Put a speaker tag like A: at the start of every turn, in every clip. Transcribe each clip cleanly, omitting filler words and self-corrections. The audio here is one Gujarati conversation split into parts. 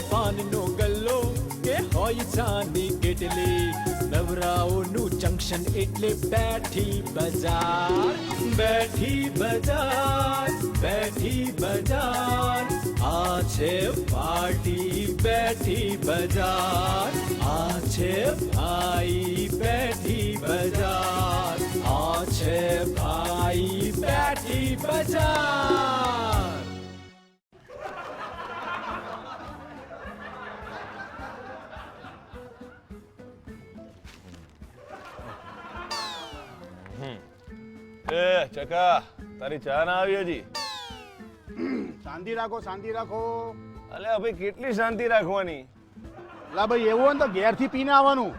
A: પાનનો ગલ્લો કે હોય ચાની કેટલી નવરાઓનું જંક્શન એટલે બેઠી બજાર બેઠી બજાર બેઠી બજાર આ છે પાર્ટી બેઠી બજાર આ છે ભાઈ બેઠી બજાર આ છે ભાઈ બેઠી બજાર
B: એ ચકા તારી ચા ના આવી હજી?
C: શાંતિ રાખો શાંતિ રાખો.
B: અલે ભાઈ કેટલી શાંતિ રાખવાની?
C: લા ભાઈ એવું હોય ને તો ઘેરથી પીને આવવાનું.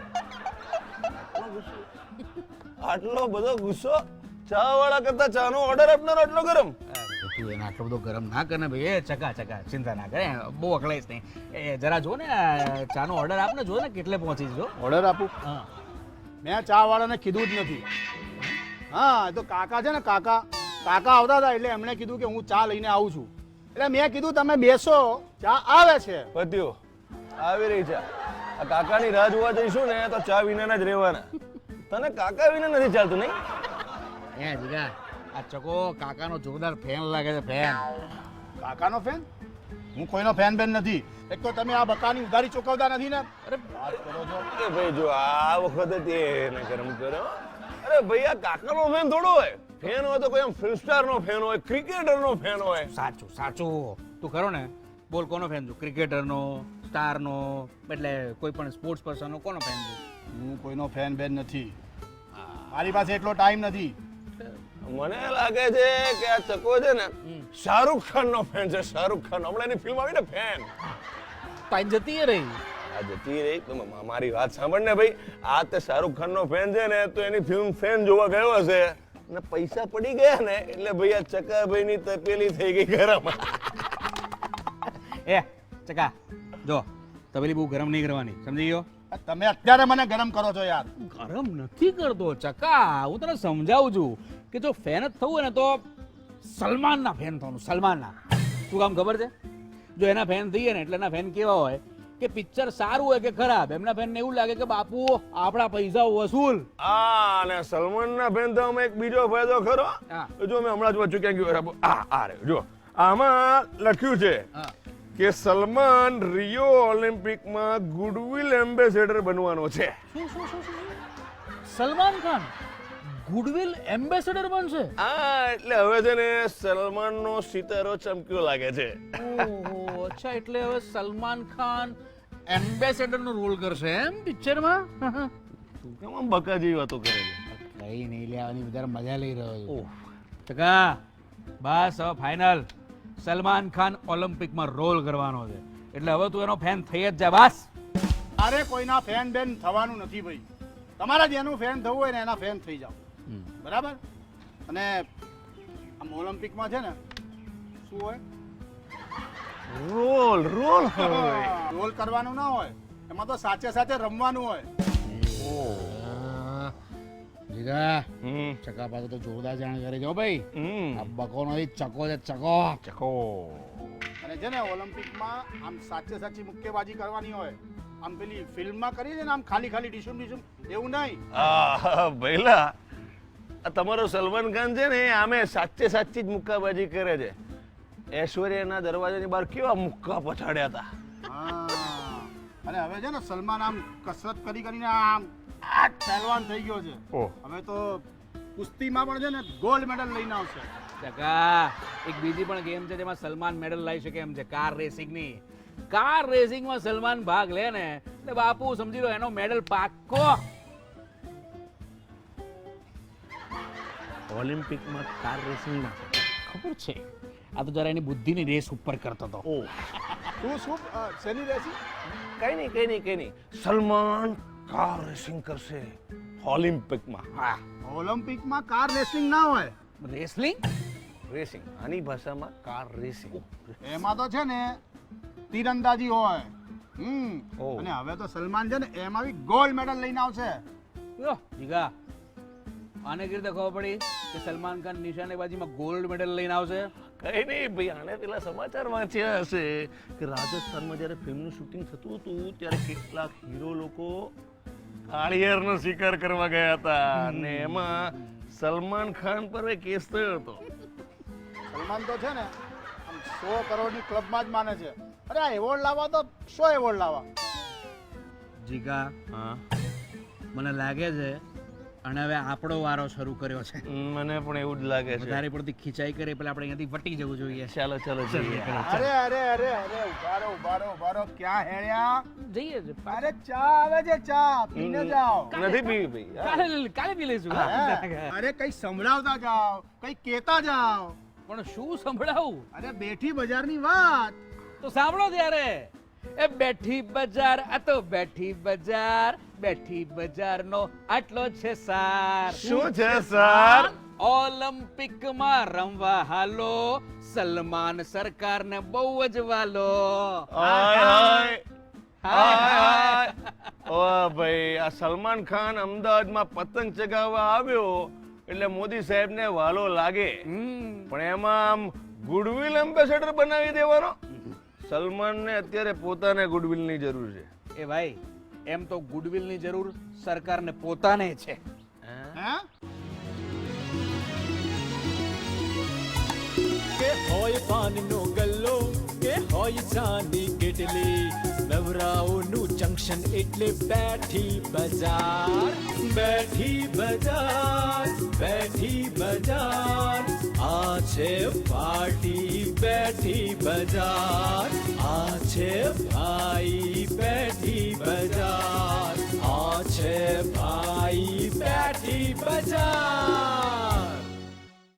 B: આટલો બધો ગુસ્સો ચા વાળા કરતા ચા નો ઓર્ડર આપનારો આટલો ગરમ?
D: તું એને આટલો બધો ગરમ ના કર ને ભાઈ. એ ચકા ચિંતા ના કરે, બહુ અકળાઈશ નહીં. એ જરા જો ને ચાનો ઓર્ડર આપને, જો ને કેટલે પહોંચી જો.
C: ઓર્ડર આપું?
D: હા
C: મેં ચા વાળાને કીધું જ નથી. હા એ તો કાકા છે ને, કાકા આવતા હતા એટલે એમણે કીધું કે હું ચા લઈને આવું છું. એટલે મેં કીધું તમે બેસો, ચા આવે છે.
B: પત્યો આવી રહી ચા. આ કાકાની રાહ જોવા જઈશું ને તો ચા વિનાના જ રહેવાના. તને કાકા વિના નથી ચાલતું નહીં?
D: એ જીગા, આ ચકો કાકાનો જોરદાર ફેન લાગે છે. ફેન?
C: કાકાનો ફેન? હું કોઈનો ફેન બેન નથી. એક તો તમે આ બકાની ઉધારી ચૂકવતા નથી ને. અરે વાત કરો છો.
B: એ ભાઈ જો આ વખતે તેને ગરમ કર્યો. અરે ભાઈ આ કાકાનો ફેન થોડો હોય. ફેન હોય તો કોઈ આમ ફિલ્મ સ્ટાર નો ફેન હોય, ક્રિકેટર નો ફેન હોય.
D: સાચું તું ખરો ને. બોલ કોનો ફેન છું? ક્રિકેટરનો, સ્ટારનો, એટલે કોઈ પણ સ્પોર્ટ્સ પર્સનનો કોનો ફેન છું?
C: હું કોઈનો ફેન બેન નથી. મારી પાસે એટલો ટાઈમ નથી.
B: મને લાગે છે કે આ ચકો છે ને શાહરુખ ખાન નો ફેન છે. શાહરુખ ખાન હમણાં એની ફિલ્મ આવી ને ફેન.
D: ટાઈમ જતી રહી.
B: આ જતી રહી તો મારી વાત સાંભળ ને ભાઈ. આ તે શાહરુખ ખાન નો ફેન છે ને તો એની ફિલ્મ ફેન જોવા ગયો હશે અને પૈસા પડી ગયા ને એટલે ભાઈ આ ચકાભાઈ ની તપેલી થઈ ગઈ ગરમ.
D: એ ચકા જો, તપેલી બહુ ગરમ નહીં કરવાની, સમજી ગયો?
C: તમે અત્યારે મને ગરમ કરો છો યાર.
D: ગરમ નથી કરતો ચકા, હું તને સમજાવું છું કે જો ફેન જ થવું હોય ને તો સલમાનના ફેન થવાનું. સલમાનના શું કામ ખબર છે? જો એના ફેન થઈએ ને એટલે એના ફેન કેવા હોય કે પિક્ચર સારું હોય કે ખરાબ, એમના ફેન ને એવું લાગે કે બાપુ આપણા પૈસા વસૂલ.
B: અને સલમાન ના ફેન થવામાં એક બીજો ફાયદો ખરો. જો મેં હમણાં જ વાંચ્યું ક્યાં ગયું આ રે જો આમાં લખ્યું છે કે સલમાન રિયો ઓલિમ્પિકમાં ગુડવિલ એમ્બેસેડર બનવાનો છે.
D: સલમાન ખાન ગુડવિલ એમ્બેસેડર બનશે?
B: હા એટલે હવે છે ને સલમાન નો સિતારો ચમક્યો લાગે છે.
D: ઓહો, અચ્છા, એટલે હવે સલમાન ખાન એમ્બેસેડર નો રોલ કરશે એમ પિક્ચરમાં?
B: તું કેમ આમ બકા જેવી વાતો કરે છે?
D: કઈ નહીં લેવાની, વધારે મજા લઈ રહ્યો છું. ચકા બસ હવે ફાઇનલ. સલમાન ખાન ઓલિમ્પિકમાં રોલ કરવાનો છે એટલે હવે તું એનો ફેન થઈ જ જા બસ.
C: અરે કોઈના ફેન બેન થવાનું નથી ભાઈ. તમારા જેનું ફેન થવું હોય ને એના ફેન થઈ જાઓ, બરાબર? અને આમ ઓલિમ્પિકમાં છે ને શું હોય?
B: રોલ
C: રોલ કરવાનું ના હોય, એમાં તો સાચે રમવાનું હોય.
D: જીગા ચકા પાસે તો જોરદાર જાણ કરે જો ભાઈ. આ બકો નો ચકો છે, ચકો.
C: અને છે ને ઓલિમ્પિકમાં આમ સાચી મુક્કેબાજી કરવાની હોય. આમ પેલી ફિલ્મમાં કરી છે ને આમ ખાલી ડીશુમ એવું નહીં.
B: ભઈલા આ તમારો સલમાન ખાન છે ને આમે સાચી જ મુક્કાબાજી કરે છે. ઐશ્વર્યાના દરવાજાની બહાર કેવા મુક્કા પછાડ્યા હતા.
C: અને હવે છે ને સલમાન આમ કસરત કરીને આમ પહેલવાન થઈ ગયો છે. હવે તો કુસ્તીમાં પણ છે ને ગોલ્ડ મેડલ લઈને આવશે.
D: ચકા એક બીજી પણ ગેમ છે જેમાં સલમાન મેડલ લઈ શકે એમ છે, કાર રેસિંગની. કાર રેસિંગમાં સલમાન ભાગ લે ને એટલે બાપુ સમજી લો એનો મેડલ પાક્કો. ઓલિમ્પિકમાં કાર રેસિંગમાં ખબર છે, આ તો જરા એની બુદ્ધિની રેસ ઉપર કરતો હતો.
C: શું શેની રેસિંગ?
B: કઈ નહીં સલમાન કાર રેસિંગ કરશે ઓલિમ્પિકમાં.
D: હા,
C: ઓલિમ્પિકમાં કાર રેસિંગ ના હોય.
B: રેસિંગ આની ભાષામાં કાર રેસિંગ.
C: એમાં તો છે ને તીરંદાજી હોય. અને હવે તો સલમાન છે ને એમાં બી ગોલ્ડ મેડલ લઈને આવશે.
D: જીગા આને કેવી રીતે ખબર પડી કે સલમાન ખાન નિશાનેબાજીમાં ગોલ્ડ મેડલ લઈને આવશે?
B: કઈ નહીં ભાઈ, આને પેલા સમાચાર વાંચ્યા હશે કે રાજસ્થાનમાં જ્યારે ફિલ્મનું શૂટિંગ થતું હતું ત્યારે કેટલાક હીરો લોકો કાળિયારનો શિકાર કરવા ગયા હતા અને એમાં સલમાન ખાન પર એ કેસ થયો હતો.
C: સલમાન તો છે ને આમ 100 કરોડની ક્લબમાં જ માને છે. અરે આ એવોર્ડ લાવવા તો 100 એવોર્ડ લાવવા.
D: જીગા,
B: હા,
D: મને લાગે છે અને હવે આપણો વારો શરૂ કર્યો છે.
B: મને પણ એવું જ લાગે છે.
D: વધારે પડતી ખીચાઈ કરે પેલા આપણે અહીંયાથી વટી જવું જોઈએ.
B: ચાલો ચાલો જઈએ.
C: અરે ઉભા રહો ક્યાં હેળ્યા?
D: જઈએ છે.
C: અરે ચા આવે છે, ચા પીને જાઓ.
B: નથી પીવી ભાઈ.
D: કાલે પી લઈશું.
C: અરે કઈ સંભળાવતા જાઓ, કઈ કેતા જાઓ.
D: પણ શું સંભળાવું?
C: અરે બેઠી બજારની વાત.
D: તો સાંભળો ત્યારે. એ બેઠી બજાર, આ તો બેઠી બજાર, બેઠી બજારનો આટલો છે સાર.
B: શું છે સર?
D: ઓલિમ્પિકમાં રમવા હાલો, સલમાન સરકારને બહુ જ વાલો.
B: ઓ ભાઈ, આ સલમાન ખાન અમદાવાદમાં પતંગ ચગાવવા આવ્યો એટલે મોદી સાહેબને વાલો લાગે, પણ એમાં આમ ગુડવિલ એમ્બેસેડર બનાવી દેવાનો. સલમાનને અત્યારે પોતાને ગુડવિલની જરૂર છે.
D: એ ભાઈ, એમ તો ગુડવિલની જરૂર સરકારને પોતાને છે.
C: હે?
A: કે હોય પાનનો ગલ્લો કે હોય ચાની કેટલી, નવરાઓનું જંકશન એટલે બેઠી બજાર. બેઠી બજાર, બેઠી બજાર, આ છે પાર્ટી બેઠી બજાર. આ છે ભાઈ બેઠી બજાર. આ છે ભાઈ